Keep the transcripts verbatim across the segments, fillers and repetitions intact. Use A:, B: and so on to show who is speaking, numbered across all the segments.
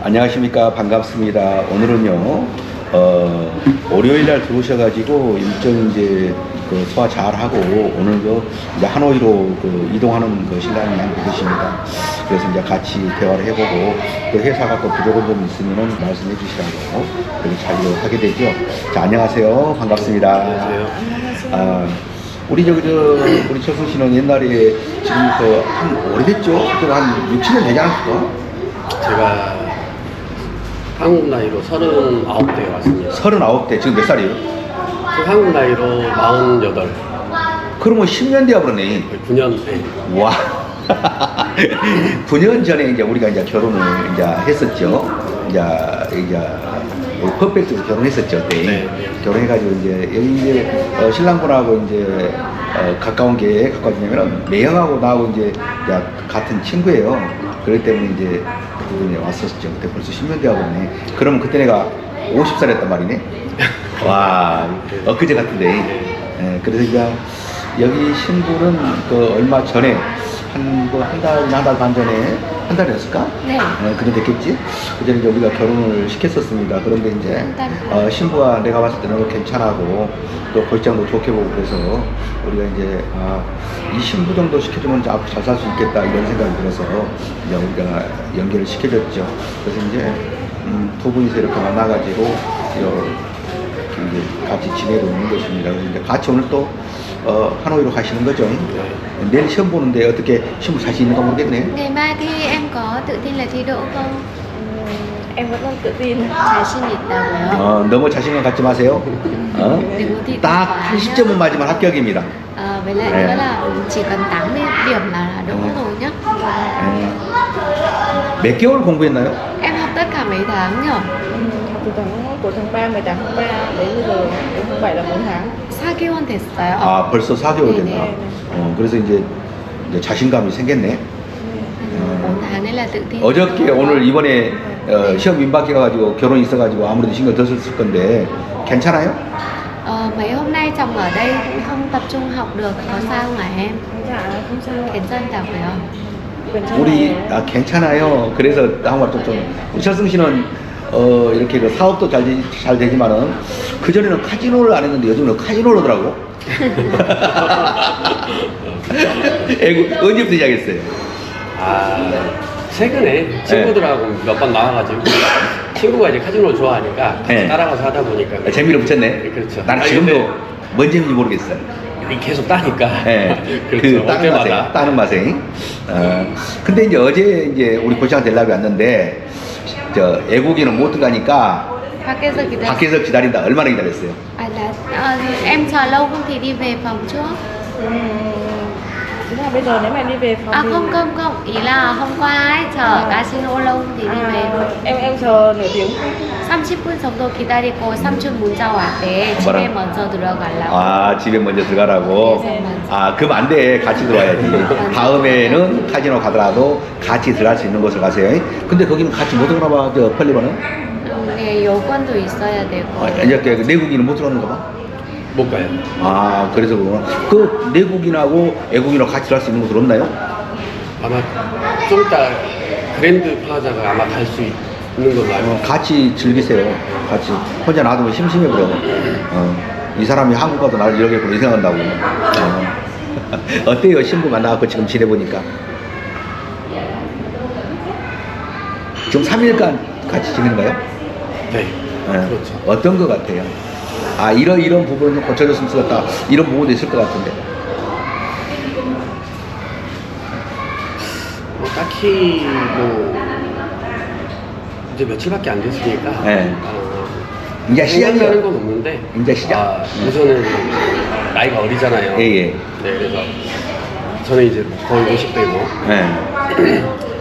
A: 안녕하십니까. 반갑습니다. 오늘은요, 어, 월요일날 들어오셔가지고 일정 이제 그 소화 잘 하고 오늘 그 이제 하노이로 그 이동하는 그 신랑이 한 계십니다. 그래서 이제 같이 대화를 해보고 또 회사가 또 부족한 점 있으면은 말씀해 주시라고 그렇게 자리로 하게 되죠. 자, 안녕하세요. 반갑습니다.
B: 안녕하세요.
A: 아, 우리 저기 저 우리 철승 씨는 옛날에 지금부터 한 오래됐죠? 그때 한 육, 칠 년 되지 않았을까?
B: 제가 한국 나이로 서른아홉 대에 왔습니다.
A: 서른아홉 대, 지금 몇 살이에요?
B: 그 한국 나이로 마흔여덟.
A: 그러면 십 년 되어 버렸네.
B: 구 년 대.
A: 와. 구 년 전에 이제 우리가 이제 결혼을 이제 했었죠. 이제, 이제, 퍼펙트로 결혼했었죠. 그때.
B: 네.
A: 결혼해가지고 이제, 여기 이제, 어, 신랑분하고 이제, 어, 가까운 게 가까워지냐면은, 매형하고 나하고 이제, 야, 같은 친구예요. 그렇기 때문에 이제, 그분이 왔었죠. 그때 벌써 십 년 되어버렸네. 그러면 그때 내가 오십 살이었단 말이네. 와, 엊그제 같은데. 예, 그래서 이제, 여기 신부는 그 얼마 전에, 한, 뭐, 한 달, 한 달 반 전에, 한 달이었을까?
C: 네.
A: 예, 그런 됐겠지? 그 전에 이제 우리가 결혼을 시켰었습니다. 그런데 이제, 어, 신부가 내가 봤을 때 너무 괜찮하고, 또 골장도 좋게 보고 그래서, 우리가 이제, 아, 이 신부 정도 시켜주면 이제 앞으로 잘 살 수 있겠다, 이런 생각이 들어서, 이제 우리가 연결을 시켜줬죠. 그래서 이제, 음, 두 분이서 이렇게 만나가지고, 이렇게 이제 같이 지내고 있는 것입니다. 그래서 이제 같이 오늘 또, 어, 하노이로 가시는 거죠?
B: 네.
A: 내일 시험 보는데 어떻게 신부 자신 있는가 모르겠네.
C: Ngày mai thi em có tự tin là thi đỗ không?
D: Em vẫn còn tự tin.
C: 자신 있다고요?
A: 어, 너무 자신감 갖지 마세요. 어?
C: Đừng có thi
A: 딱
C: quá
A: 팔십
C: nhá.
A: 점은 맞으면 합격입니다.
C: Ờ, với lại
A: 네.
C: nữa là chỉ cần tám mươi điểm là là đỗ
A: Ừ.
C: rồi nhá.
A: 예. 몇 개월 공부했나요?
C: Em học tất cả mấy tháng nhỉ?
D: Học từ tháng của tháng ba, mười tám tháng ba đến bây giờ đến tháng bảy là bốn tháng.
C: 사 개월 됐어요.
A: 아, 벌써 사 개월
C: 네네.
A: 됐나? 어, 그래서 이제, 이제 자신감이 생겼네.
C: bốn tháng nên là tự tin.
A: 어저께 오늘 이번에 어, 시험 민박해 가지고 결혼이 있어가지고 아무래도 신경 더 썼을 건데 괜찮아요?
C: Ờ, mấy hôm nay chồng ở đây cũng không tập trung học được, có sao không hả em?
D: Dạ không sao.
C: 괜찮다고요?
D: 괜찮아요.
A: 우리 아 괜찮아요. 그래서 한번 좀, 좀 우리 철승 씨는 어 이렇게 그 사업도 잘, 되, 잘 되지만은 그 전에는 카지노를 안 했는데 요즘은 카지노를 하더라고. 애고 언제부터 시작했어요?
B: 아, 최근에 친구들하고 몇 번 나와가지고 친구가 이제 카지노를 좋아하니까 같이
A: 네.
B: 따라가서 하다 보니까
A: 아, 재미를 붙였네.
B: 네, 그렇죠.
A: 나는
B: 아니,
A: 지금도
B: 근데
A: 뭔 재미인지 모르겠어요.
B: 계속 따니까.
A: 예,
B: 그렇죠.
A: 그 따는 맛에,
B: 어때마다.
A: 따는 맛에. 어, 근데 이제 어제 이제 우리 고창 델랍이 왔는데 저 애국이는 못 들어가니까
C: 밖에서 기다려.
A: 밖에서 기다린다. 얼마나 기다렸어요?
C: À là ờ, em chờ lâu không thì đi về phòng trước.
D: Thế là bây giờ nếu mà em đi về phòng
C: À
D: thì
C: không không không, ý là hôm qua ấy chờ casino lâu thì đi về.
D: à, em em chờ nửa tiếng.
C: 삼십 분 정도 기다리고 삼촌 문자 왔대. 집에
A: 뭐라고?
C: 먼저 들어가려고.
A: 아, 집에 먼저 들어가라고?
C: 네, 맞아요.
A: 아, 그럼 안 돼. 같이 들어와야지. 다음에는 카지노 가더라도 같이 들어갈 수 있는 곳을 가세요. 근데 거기는 같이 못 들어가나 봐, 저 펄리버는?
C: 음, 네, 여권도 있어야 되고.
A: 아, 이렇게 내국인은 못 들어가는가 봐?
B: 못 가요.
A: 아, 그래서 그러구나. 그 내국인하고 애국인하고 같이 들어갈 수 있는 곳은 없나요?
B: 아마 좀 이따 그랜드 플라자가 아마 갈 수 있는 걸로 알고
A: 어, 같이 즐기세요. 같이. 혼자 놔두면 심심해버려. 어, 이 사람이 한국 가도 나를 이렇게 보고 생각한다고. 어. 어때요? 신부 만나갖고 지금 지내보니까? 지금 삼 일간 같이 지내는 거예요?
B: 네.
A: 예.
B: 그렇죠.
A: 어떤 것 같아요? 아, 이런, 이런 부분은 좀 고쳐줬으면 좋겠다. 이런 부분도 있을 것 같은데.
B: 뭐 딱히 뭐 이제 며칠밖에 안 됐으니까
A: 네.
B: 어,
A: 이제 시작이야.
B: 생각나는 건 없는데
A: 이제 시작.
B: 아, 우선은 나이가 어리잖아요.
A: 예, 예.
B: 네, 그래서 저는 이제 거의 오십 대고
A: 예.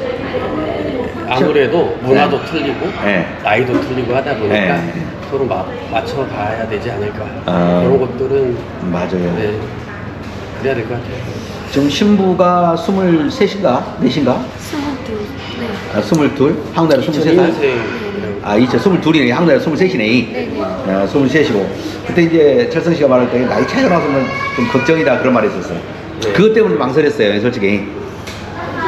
B: 아무래도 문화도 틀리고
A: 네.
B: 나이도 틀리고 하다 보니까
A: 네.
B: 서로 마, 맞춰 가야 되지 않을까.
A: 아.
B: 그런 것들은
A: 맞아요.
B: 네, 그래야 될 것 같아요.
A: 지금 신부가 스물셋인가? 넷인가?
C: 스물둘. 네.
A: 아, 스물둘? 한국 나라 스물세
B: 이천이
A: 살?
B: 년생
A: 아, 이천 스물둘이네. 한국 나라 스물셋이네.
C: 네네.
A: 아, 스물셋이고. 그때 이제 철성 씨가 말할 때 나이 차이가 나서면 좀 걱정이다 그런 말이 있었어요.
B: 네.
A: 그것 때문에 망설였어요, 솔직히.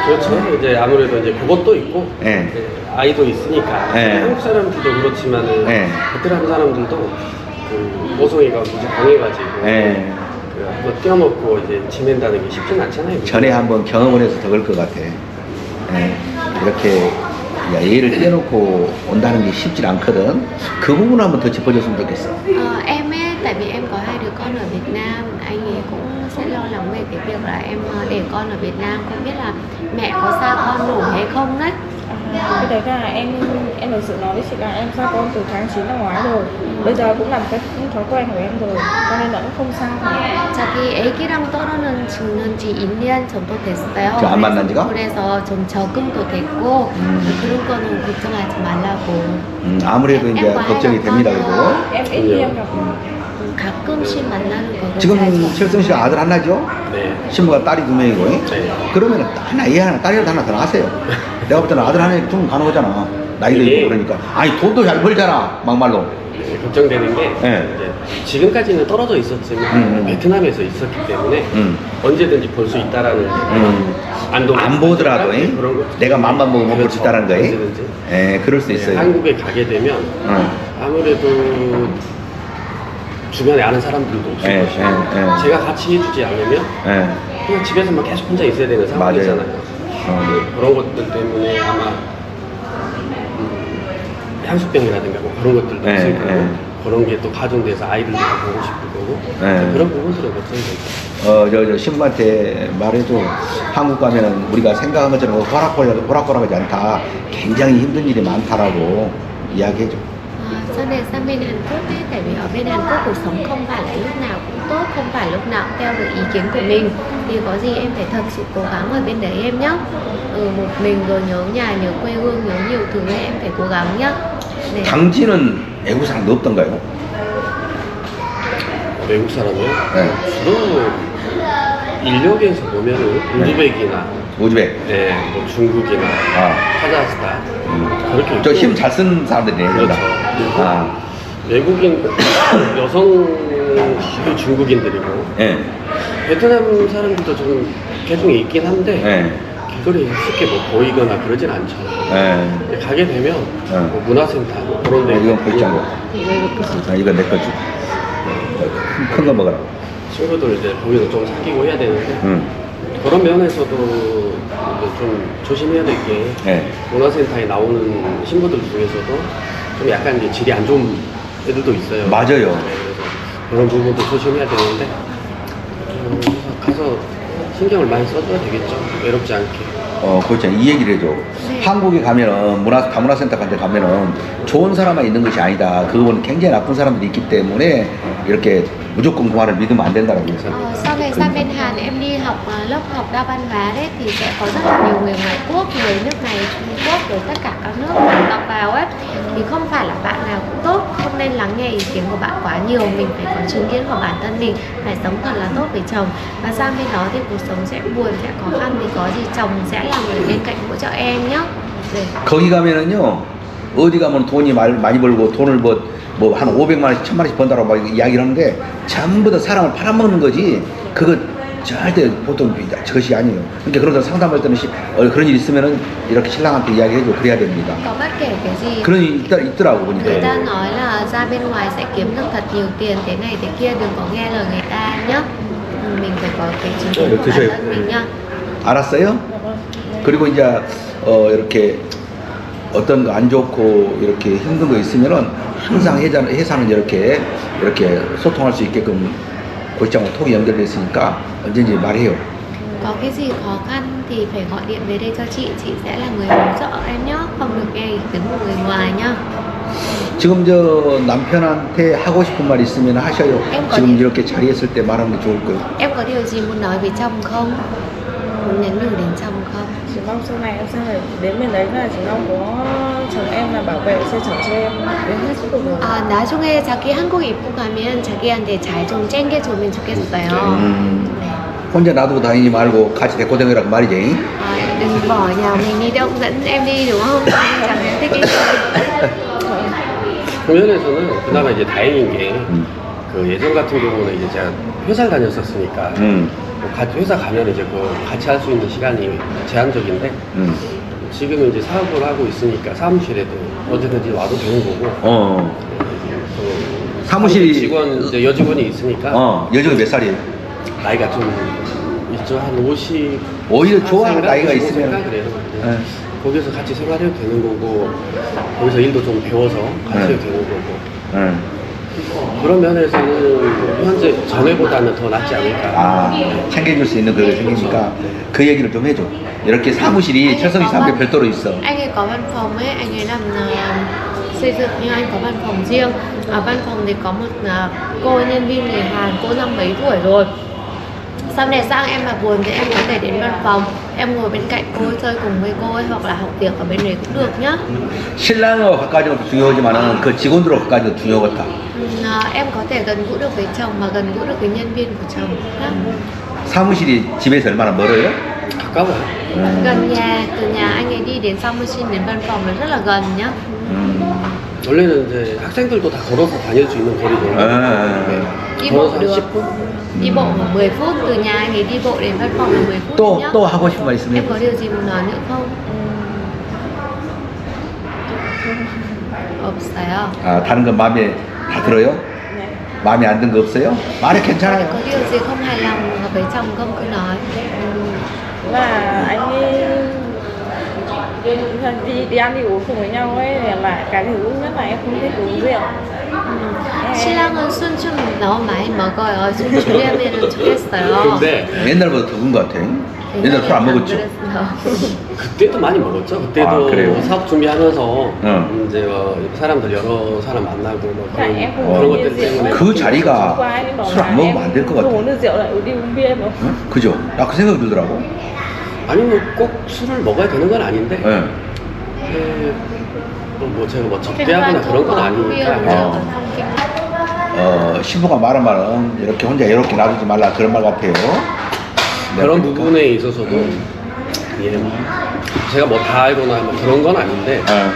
B: 그렇죠. 이제 아무래도 이제 그것도 있고
A: 예.
B: 이제 아이도 있으니까
A: 네.
B: 한국 사람들도 그렇지만은
A: 네.
B: 베트남 사람들도 그 모성애가 무지 강해가지고
A: 예.
B: 그 한번 띄워놓고 이제 지낸다는 게 쉽진 않잖아요.
A: 전에 한번 경험을 해서 더 그럴 것 같아. 예. 이렇게 예의를 떼놓고 온다는 게 쉽지 않거든. 그 부분 한번 더 짚어줬으면 좋겠어.
C: Ờ, em ấy, tại vì em có hai đứa con ở Việt Nam, anh ấy cũng sẽ lo lắng về cái việc là em ờ, để con ở Việt Nam, không biết là mẹ có xa con nổi hay không đấy.
D: Cái đấy là em em thực sự nói với chị là em xa con từ tháng chín năm ngoái rồi. Bây giờ cũng làm cái thói quen của em rồi, cho nên là cũng không sao cả.
C: 자기 애기랑 떨어는 죽는 지 이 년 정도 됐어요.
A: 저안 만난 지가?
C: 그래서 좀 적응도 됐고
A: 음.
C: 그런 거는 걱정하지 말라고.
A: 음, 아무래도 이제 걱정이 됩니다. 그리고
D: Em ít khi em gặp
C: 음, 가끔씩 만나는 거고.
A: 지금
C: 자주.
A: 철성 씨가 아들 하나죠?
B: 네.
A: 신부가 딸이 두 명이고.
B: 네.
A: 그러면 하나, 얘 하나, 딸이라도 하나 더 낳으세요. 내가 볼 때는 아들 하나에 충분히 가능하잖아. 나이도
B: 이게-
A: 있고 그러니까. 아니, 돈도 잘 벌잖아. 막말로.
B: 이제 걱정되는 게
A: 네.
B: 이제 지금까지는 떨어져 있었지만
A: 음, 음.
B: 베트남에서 있었기 때문에
A: 음.
B: 언제든지 볼 수 있다라는
A: 음.
B: 안동
A: 안 보더라도 잉?
B: 그런 거.
A: 내가 맘만 먹으면 볼 수
B: 그렇죠.
A: 있다는 거예요.
B: 언제든지.
A: 예, 그럴 수
B: 네,
A: 있어요.
B: 한국에 가게 되면
A: 응.
B: 아무래도 주변에 아는 사람들도 없을
A: 예,
B: 것이고
A: 예, 예.
B: 제가 같이 해주지 않으면
A: 예.
B: 그냥 집에서만 계속 혼자 있어야 되는 상황이잖아요.
A: 맞아요. 어.
B: 네, 그런 것들 때문에 아마 음, 향수병이라든가 뭐 그런 것들도
A: 예,
B: 있을 거고
A: 예.
B: 그런 게 또 가중돼서 아이들도 다 보고 싶을 거고
A: 예.
B: 그런 부분들은 걱정되죠.
A: 어, 저, 저 신부한테 말해도 한국 가면은 우리가 생각한 것처럼 호락호락, 호락호락하지 않다. 굉장히 힘든 일이 많다라고 이야기해줘.
C: À, sau này sang bên Hàn Quốc ấy, tại vì ở bên Hàn Quốc cuộc sống không phải là lúc nào cũng tốt, không phải lúc nào cũng theo được ý kiến của mình. Thì có gì em phải thật sự cố gắng ở bên đấy em nhé. Ừ, một mình rồi nhớ nhà, nhớ quê hương, nhớ nhiều thứ ấy, em phải cố gắng nhé. Để...
A: 당지는 애국 사람도 없던가요?
B: 외국 사람이요?
A: 네.
B: 주로 인력에서 보면은 우즈벡이나
A: 우즈벡.
B: 네, 뭐 중국이나
A: 아.
B: 카자흐스탄 그렇게 있고
A: 저 힘 잘 쓴 사람들이네.
B: 그렇죠.
A: 아.
B: 외국인 여성 중국인들이고
A: 예.
B: 베트남 사람들도 좀 개중에 있긴 한데
A: 예.
B: 길거리에 쉽게 뭐 보이거나 그러진 않죠.
A: 예.
B: 근데 가게 되면
A: 네.
B: 뭐 문화센터 그런 데
A: 어, 이건 볼장고. 아, 이건 내 거지. 큰 거 먹어라.
B: 친구들 이제 거기서 좀 사귀고 해야 되는데
A: 응.
B: 그런 면에서도 이제 좀 조심해야 될 게
A: 예.
B: 문화센터에 나오는 신부들 중에서도 좀 약간 이제 질이 안 좋은 애들도 있어요.
A: 맞아요.
B: 네, 그래서 그런 부분도 조심해야 되는데 음, 그래서 가서 신경을 많이 써줘야 되겠죠. 외롭지 않게.
A: 어, 그렇죠. 이 얘기를 해줘.
C: 네.
A: 한국에 가면은, 문화, 다문화센터 같은 데 가면은 좋은 사람만 있는 것이 아니다. 그건 굉장히 나쁜 사람들이 있기 때문에 이렇게 무조건 그만을 믿으면 안 된다라고 해서.
C: Ờ, sau này sang bên Hàn em đi học ờ, lớp học đa văn hóa đấy thì sẽ có rất là nhiều người ngoại quốc, người nước này, Trung Quốc rồi tất cả các nước bạn đọc vào ấy thì không phải là bạn nào cũng tốt, không nên lắng nghe ý kiến của bạn quá nhiều, mình phải có chứng kiến của bản thân mình, phải sống thật là tốt với chồng và sang bên đó thì cuộc sống sẽ buồn, sẽ khó khăn thì có gì chồng sẽ là người bên cạnh hỗ trợ em nhé. 네.
A: 거기 가면은요, 어디 가면 돈이 말- 많이 벌고 돈을 뭐, 뭐 한 오백만 원씩, 천만 원씩 번다고 막 이야기를 하는데 전부 다 사람을 팔아먹는 거지. 그거 절대 보통 저것이 아니에요. 그러니까 그런 사람 상담할 때는 시- 어, 그런 일 있으면은 이렇게 신랑한테 이야기해줘. 그래야 됩니다.
C: Có bất kể cái gì
A: 그런 일이 있더, 있더라고
C: người
A: 보니까.
C: ta nói là ra bên ngoài sẽ kiếm được thật nhiều tiền thế này thế kia, đừng có nghe lời người ta nhé. Mình phải có cái chứng kiến của bản thân mình nhá.
A: 알았어요?
D: Dạ vâng.
A: 그리고 이제 어, 이렇게 어떤 거 안 좋고 이렇게 힘든 거 있으면은 항상 회사, 회사는 이렇게 이렇게 소통할 수 있게끔 고시장과 통이 연결돼 있으니까 언제든지 말해요.
C: Có cái gì khó khăn thì phải gọi điện về đây cho chị, chị sẽ là người hỗ trợ em nhé, không được nghe ý kiến của người ngoài nhá.
A: 지금 저 남편한테 하고 싶은 말 있으면 하셔요.
C: em có
A: 지금
C: điện,
A: 이렇게 자리에 있을 때 말하는 게 좋을 거예요.
C: em có điều gì muốn nói với chồng không? Muốn nhắn nhủ đến chồng không?
D: Chỉ mong sau này em sang này đến bên đấy là chỉ mong có chồng em là bảo vệ xe chở cho em đến hết suốt cuộc đời.
C: 아, 나중에 자기 한국 입국 가면 자기한테 잘 좀 챙겨주면 좋겠어요.
A: 음.
C: 네.
A: 혼자 놔두고 다니지 말고 같이 데리고 다니라고 말이지.
C: À, đừng bỏ nhà mình đi đâu, dẫn em đi đúng không? Chẳng em thích đi.
B: 그 면에서는 그나마 이제 다행인 게
A: 음.
B: 그 예전 같은 경우는 이제 제가 회사를 다녔었으니까
A: 음.
B: 뭐 같이 회사 가면 이제 그 같이 할 수 있는 시간이 제한적인데
A: 음.
B: 지금은 이제 사업을 하고 있으니까 사무실에도 언제든지 와도 되는 거고
A: 어.
B: 또
A: 사무실이-
B: 직원 이제 여직원이 있으니까
A: 어. 여정이 몇 살이에요?
B: 나이가 좀 있죠. 한 오십
A: 오히려 좋아,
B: 사세인가?
A: 나이가
B: 오십오
A: 있으면.
B: 세인가 그래요.
A: 네.
B: 거기서 같이 생활해도 되는 거고 거기서 일도 좀 배워서 같이
A: 네.
B: 해도 되는 거고
A: 응.
B: 그런 면에서는 현재 전에보다는 더 낫지 않을까.
A: 아, 챙겨줄 수 있는 그게 생기니까 그 얘기를 좀 해줘. 이렇게 사무실이 철성이 사무실 별도로 있어.
C: Anh ấy có văn phòng ấy, anh ấy làm ờ, xây dựng nhưng anh có văn phòng riêng. Ở văn phòng thì có một ờ, cô nhân viên người Hàn, cô năm mấy tuổi rồi. Sau này sang em mà buồn thì em có thể đến văn phòng, em ngồi bên cạnh cô ấy, chơi cùng với cô ấy hoặc là học việc ở bên đấy cũng được nhá.
A: 신랑하고 가까워지는 것도 중요하지만은 그 직원들하고 가까워지는 것도 중요하겠다.
C: Ừ, ờ, em có thể gần gũi được với chồng mà gần gũi được với nhân viên của chồng nhá.
A: 사무실이 집에서 얼마나 멀어요?
B: 가까워요.
C: Gần nhà, từ nhà anh ấy đi đến Samusin đến văn phòng là rất là gần nhá.
A: 음.
B: 원래는 이제 학생들도 다 걸어서 다닐 수 있는 거리거든요.
A: 아.
B: 네.
C: Đi
B: 걸어서
C: bộ
B: 한
C: được.
B: 십 분?
C: Đi bộ khoảng mười phút, từ nhà anh ấy đi bộ đến văn phòng là mười phút
A: 또,
C: nhá.
A: 또 하고 싶은 말
C: Em
A: 있으면.
C: có điều gì muốn nói nữa không? 없어요.
A: 아, 다른 건 마음에 다 들어요?
D: Dạ.
A: 마음에 안 든 거 없어요? 말해
C: Có
A: 괜찮아요.
C: điều gì không hài lòng với chồng không cứ nói.
D: Là anh ấy đi đi ăn đi uống cùng với nhau ấy là cái thứ nhất là em không thích uống rượu.
C: 신랑은 술 좀 너무 많이 먹어요. 술 줄이면 좋겠어요.
B: 근데
A: 옛날보다 더 큰 것 같아. 옛날 술 안 먹었죠?
B: 그때도 많이 먹었죠. 그때도
A: 아, 그래요?
B: 사업 준비하면서
A: 응.
B: 이제 어, 사람들 여러 사람 만나고 뭐
D: Tại
B: 그런,
D: em không
B: 그런
D: uống
B: 것들
D: bia rượu.
B: 때문에
A: 그 자리가
D: Qua ấy bảo
A: 술 안
D: là
A: 먹으면
D: em
A: 안 될 것
D: không
A: 같아.
D: uống được rượu lại đi uống bia mà.
A: 응? 그죠? 나 그 생각이 들더라고.
B: 아니 뭐 꼭 술을 먹어야 되는 건 아닌데
A: 예.
B: 예, 또 뭐 제가 뭐 적대하거나 그런 건 아니니까
A: 어. 어, 신부가 말한 말은 이렇게 혼자 외롭게 놔두지 말라 그런 말 같아요. 네,
B: 그런
A: 그러니까.
B: 부분에 있어서도 예, 뭐 제가 뭐 다 알거나 뭐 그런 건 아닌데
A: 예.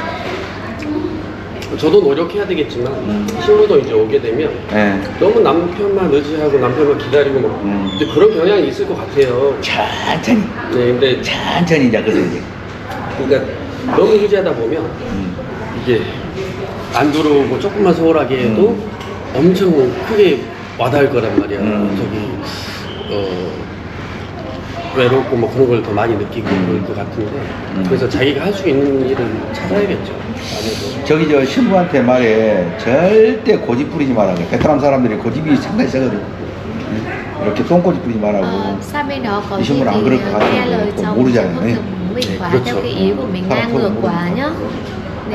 B: 저도 노력해야 되겠지만
A: 음.
B: 신부도 이제 오게 되면
A: 예.
B: 너무 남편만 의지하고 남편만 기다리고 뭐
A: 음.
B: 이제 그런 경향이 있을 것 같아요.
A: 천천히,
B: 네, 근데
A: 천천히 이제 그래서 이제.
B: 그러니까 너무 의지하다 보면
A: 음.
B: 이게 안 들어오고 조금만 소홀하게 해도
A: 음.
B: 엄청 크게 와닿을 거란 말이야.
A: 음.
B: 저기 어 외롭고 뭐 그런 걸 더 많이 느끼고 그럴 것 같은데
A: 음.
B: 그래서 자기가 할 수 있는 일을 찾아야겠죠. 아무래도.
A: 저기 저 신부한테 말해 절대 고집 부리지 말라고. 베트남 사람들이 고집이 상당히 세거든. 이렇게 똥고집 부리지 말라고.
C: Ờ, sang bên đó có
A: Thì
C: gì
A: chung là
C: thì
A: ăn cái được
C: nghe
A: hả?
C: lời
A: Còn
C: chồng,
A: bố đi
C: chứ
A: dạy
C: không
A: này.
C: được mình
B: Đấy,
C: quá
B: 그렇죠.
C: theo cái ý của mình
A: Sao
C: ngang
A: không
C: ngược
A: bố
C: quá
A: đi
C: nhá. 네.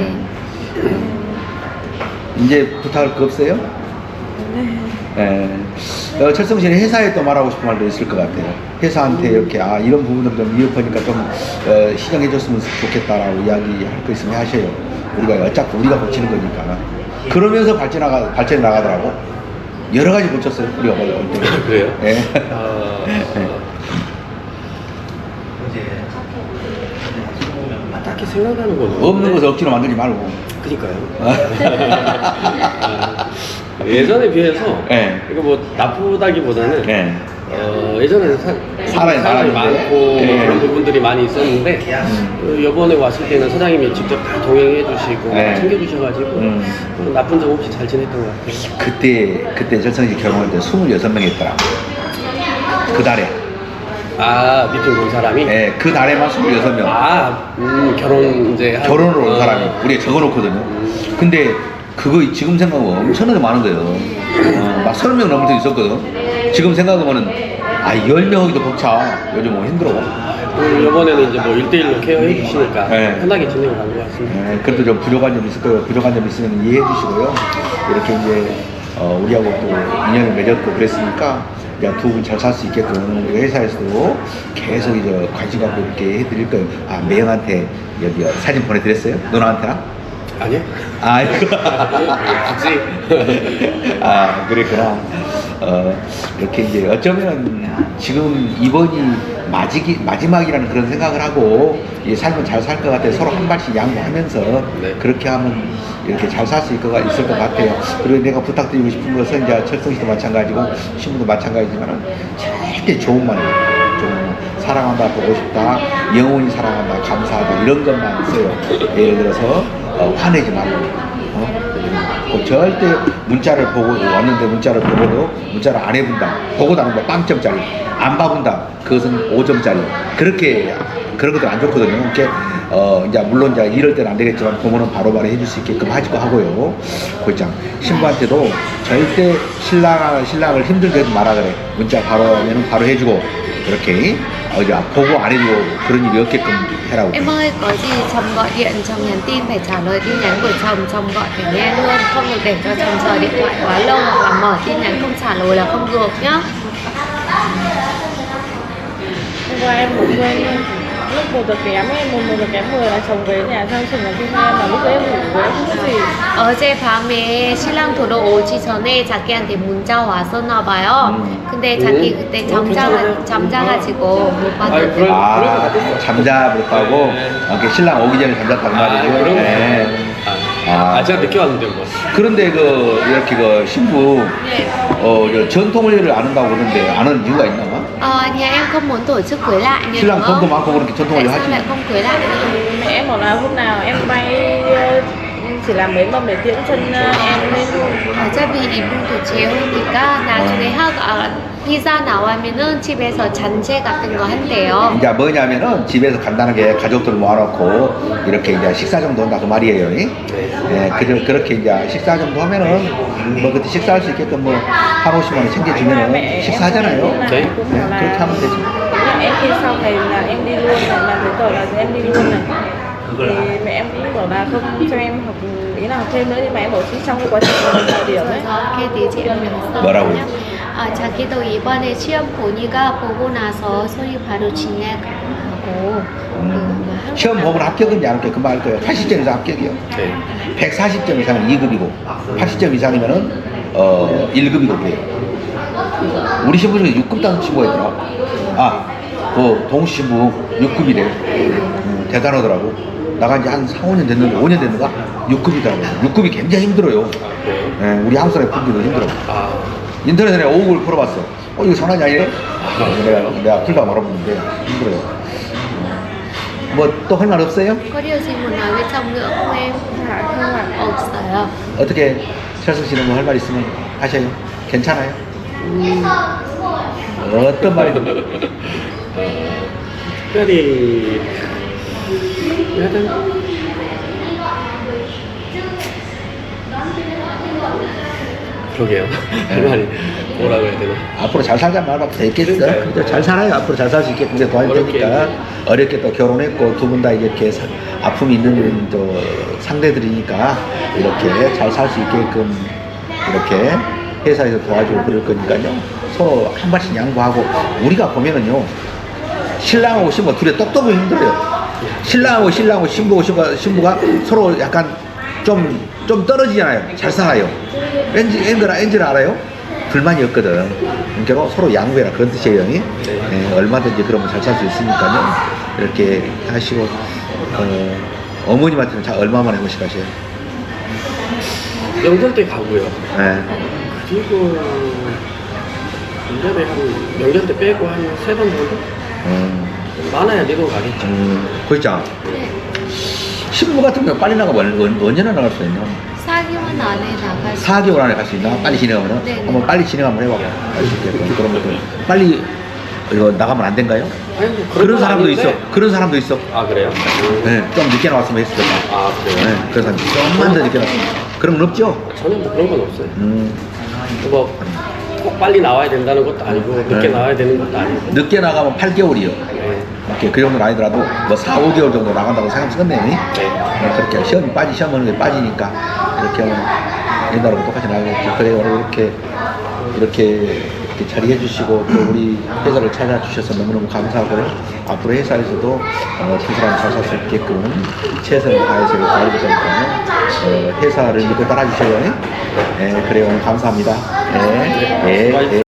A: 이제 부탁할 거 없어요? 예. 어, 철성 씨는 회사에 또 말하고 싶은 말도 있을 것 같아요. 회사한테 이렇게 아 이런 부분들 좀 위협하니까 좀 어, 시정해줬으면 좋겠다라고 이야기할 거 있으면 하셔요. 우리가 어차피 우리가 고치는 거니까. 그러면서 발전 나가 발전이 나가더라고. 여러 가지 고쳤어요. 우리가 볼 때.
B: 그래요?
A: 예.
B: 어, 딱히 생각나는 건
A: 없는 것을 억지로 만들지 말고.
B: 그니까요. 예전에 비해서
A: 예.
B: 이거 뭐 나쁘다기보다는
A: 예.
B: 어, 예전에는 사,
A: 사람이
B: 사람이
A: 많았는데.
B: 많고
A: 예.
B: 그런 부분들이 많이 있었는데 어, 이번에 왔을 때는 사장님이 직접 다 동행해 주시고
A: 예.
B: 챙겨주셔가지고
A: 음.
B: 어, 나쁜 점 없이 잘 지냈던 것 같아요.
A: 그때 그때 철성 씨 결혼할 때 스물여섯 명 했더라. 그 달에.
B: 아 미팅 본 사람이?
A: 예. 그 달에만 스물여섯 명.
B: 아 음, 결혼 이제 한-
A: 결혼을 온
B: 어.
A: 사람이 우리가 적어놓거든요. 근데 그거 지금 생각하면 엄청나게 많은 거예요. 어, 막 서른 명 넘을 때 있었거든. 지금 생각하면은 아 열 명 하기도 벅차. 요즘 뭐 힘들어.
B: 음, 이번에는 이제 뭐 일대일로 케어해 주시니까
A: 네.
B: 편하게 진행을 한 것 같습니다.
A: 예, 그래도 좀 부족한 점 있을 거예요. 부족한 점 있으면 이해해 주시고요. 이렇게 이제 어, 우리하고 또 인연을 맺었고 그랬으니까 두 분 잘 살 수 있게끔 우리 회사에서도 계속 이제 관심 갖고 이렇게 해드릴 거예요. 아 매형한테 여기 사진 보내드렸어요? 누나한테나?
B: 아니요?
A: 아, 이거.
B: 굳이.
A: 아, 그랬구나. 어, 이렇게 이제 어쩌면 지금 이번이 마지기, 마지막이라는 그런 생각을 하고 이 삶은 잘 살 것 같아요. 서로 한 발씩 양보하면서
B: 네.
A: 그렇게 하면 이렇게 잘 살 수 있을 것, 있을 것 같아요. 그리고 내가 부탁드리고 싶은 것은 이제 철성 씨도 마찬가지고 신부도 마찬가지지만 절대 좋은 말이에요. 좀 사랑한다, 보고 싶다, 영원히 사랑한다, 감사하다 이런 것만 써요. 예를 들어서 어, 화내지 말고 어? 그 절대 문자를 보고 왔는데 문자를 보고도 문자를 안 해본다, 보고도 안 한다, 빵점짜리 안 봐본다, 그것은 오 점짜리 그렇게 그런 것들 안 좋거든요. 이렇게 어 이제 물론 이제 이럴 때는 안 되겠지만 부모는 바로바로 해줄 수 있게끔 하지도 하고요. 곧장 신부한테도 절대 신랑을 신랑을 힘들게 하지 마라 그래. 문자 바로 하면은 바로 해주고 그렇게 어 이제 보고 안 해주고 그런 일이 없게끔 해라고.
C: Em ơi, có gì chồng gọi điện, chồng nhắn tin phải trả lời tin nhắn của chồng, chồng gọi phải nghe luôn, không được để cho chồng chờ điện thoại quá lâu hoặc là mở tin nhắn không trả lời là không được nhá.
D: Hôm qua em ngủ quên luôn. Lúc một giờ kém em, một, một giờ kém mười là chồng về nhà sang chừng là tin em mà lúc đấy em ngủ em không biết gì.
C: 어제 밤에 신랑 돌아오기 전에 자기한테 문자 왔었나 봐요.
A: 음.
C: 근데 자기
B: 음.
C: 그때
B: 어,
C: 잠자가,
B: 괜찮아요.
C: 잠자가지고 못
B: 아이,
C: 봤는데.
B: 그럴-
A: 아, 잠자버렸다고?
B: 네.
A: 아, 그 신랑 오기 전에 잠잤단
B: 아,
A: 말이죠.
B: 그런 거.
A: 네.
B: 아, 아, 제가 늦게 왔는데 뭐.
A: 그런데 그, 이렇게 그 신부, ờ, 저 전통을 안 한다고 그러는데 안 하는 이유가 있나?
C: Ờ, nhà em không muốn tổ chức cưới lại nên
A: 신랑
C: đúng
A: 돈도
C: không?
A: 많고 그렇게
C: Tại
A: 전통을
C: sao
A: 하지.
C: lại không cưới lại nữa?
D: Mẹ em bảo là hôm nào em bay ờ, chỉ làm mấy mâm để tiễn chân ờ, em lên luôn.
C: 어차피 이분도 재혼이니까 나중에 하가 비자 나오면은 집에서 잔치 같은 거 한대요.
A: 이제 뭐냐면은 집에서 간단하게 가족들 모아놓고 이렇게 이제 식사 정도 한다 그 말이에요. 이? 예, 그, 그렇게 이제 식사 정도 하면은 뭐 그때 식사할 수 있게끔 뭐 한 오십만 원 챙겨주면은 식사하잖아요.
D: Mẹ em cũng
A: 네,
D: bảo là
A: 그렇게 하면 되죠.
D: nhà em khi sau này là em đi luôn này, làm giấy tờ là em đi luôn này. Thì mẹ em cũng bảo là không cho em học ý là học thêm nữa nhưng mà em bảo chứ trong cái quá trình mình thời điểm ấy.
C: 그래서 걔 뒤에
A: 뭐라고요?
C: 아, 자기도 이번에 시험 보니까 보고 나서 소리 바로 진행하고
A: 음, 시험 보면 합격인지 안 합격 금방 알 거예요. 팔십 점 이상 합격이요.
B: 네.
A: 백사십 점 이상은 이 급이고 팔십 점 이상이면은 어 일 급이고 그래요. 우리 신부 중에 육 급 따는 친구가 있더라. 아, 그 동신부 육 급이래요. 음, 대단하더라고. 나간 지 한 사, 오 년 됐는데 오 년 됐는가? 육 급이더라고. 육 급이 굉장히 힘들어요. 예, 우리 한국 사람이 풀기도 힘들어.
B: 아,
A: 인터넷에 내가 오곡을 풀어봤어. 어, 이거 장난이 아니네? 내가, 내가 풀다가 말아보는데 힘들어요. 뭐 또 할 말 없어요?
C: có điều gì muốn nói với chồng nữa không em?
D: Dạ không ạ.
C: 없어요.
A: 어떻게 철승 씨는 뭐 할 말 있으면 하셔요? 괜찮아요? 어떤 말이든
B: 특별히 하여튼 그러게요. 할 말이 뭐라고 해야 되나?
A: 앞으로 잘 살자 말밖에 되겠어.
B: 그러니까요.
A: 그래도 잘 살아요. 앞으로 잘 살 수 있게 근데 도와줄
B: 어렵게.
A: 테니까 어렵게 또 결혼했고 두 분 다 이렇게 사- 아픔이 있는 또 상대들이니까 이렇게 잘 살 수 있게끔 이렇게 회사에서 도와주고 그럴 거니까요. 서로 한 발씩 양보하고 우리가 보면은요 신랑하고 신부 둘이 똑똑하고 힘들어요. 신랑하고 신랑하고 신부하고 신부가, 신부가 서로 약간 좀, 좀 떨어지잖아요. 잘 살아요. 엔지, 엔지라, 엔지라 알아요? 불만이 없거든. 그러니까 서로 양보해라. 그런 뜻이에요. 네. 네, 얼마든지 그러면 잘 살 수 있으니까요. 이렇게 하시고, 어, 어머님한테는 자, 얼마만에 한 번씩 하세요?
B: 명절 때 가고요.
A: 네.
B: 그리고 일 년에 한 명절 때 빼고 한 세 번 정도?
A: 음,
B: 많아야 네 번 가겠죠.
A: 음, 그렇죠. 신부 같은 경우 빨리 나가면 언- 언제나 나갈 수 있냐?
C: 사 개월 안에 나갈 수
A: 사 개월 안에 갈 수 있나? 빨리 진행하면?
C: 네, 네.
A: 한번 빨리 진행 한번 해봐. 갈 수 있게끔. 그러면 또 빨리 이거 나가면 안 된가요?
B: 아니, 뭐
A: 그런
B: 건
A: 사람도
B: 아닌데.
A: 있어. 그런 사람도 있어.
B: 아, 그래요?
A: 네, 좀 늦게 나왔으면 했을 거다.
B: 아, 그래요?
A: 네, 그래서 좀만 더 늦게 나왔으면. 그런 건 없죠?
B: 전혀 뭐 그런 건 없어요.
A: 음,
B: 뭐 꼭 빨리 나와야 된다는 것도 아니고 늦게
A: 네.
B: 나와야 되는 것도 아니고.
A: 늦게 나가면 팔 개월이요.
B: 네.
A: 이렇게 그 정도는 아니더라도 뭐 사, 오 개월 정도 나간다고 생각하면 네.
B: 네.
A: 네, 그렇게 시험이 빠지 시험 하는 게 빠지니까 이렇게 하면 옛날하고 똑같이 나가겠죠. 그래 오늘 이렇게 이렇게 이렇게 자리해 주시고 또 우리 회사를 찾아주셔서 너무너무 감사하고요. 앞으로 회사에서도 어, 두 사람 잘 살 수 있게끔 최선을 다해서 도와드릴 테니까요. 어, 회사를 믿고 따라주셔요. 예, 그래요. 오늘 감사합니다. 예, 예, 예.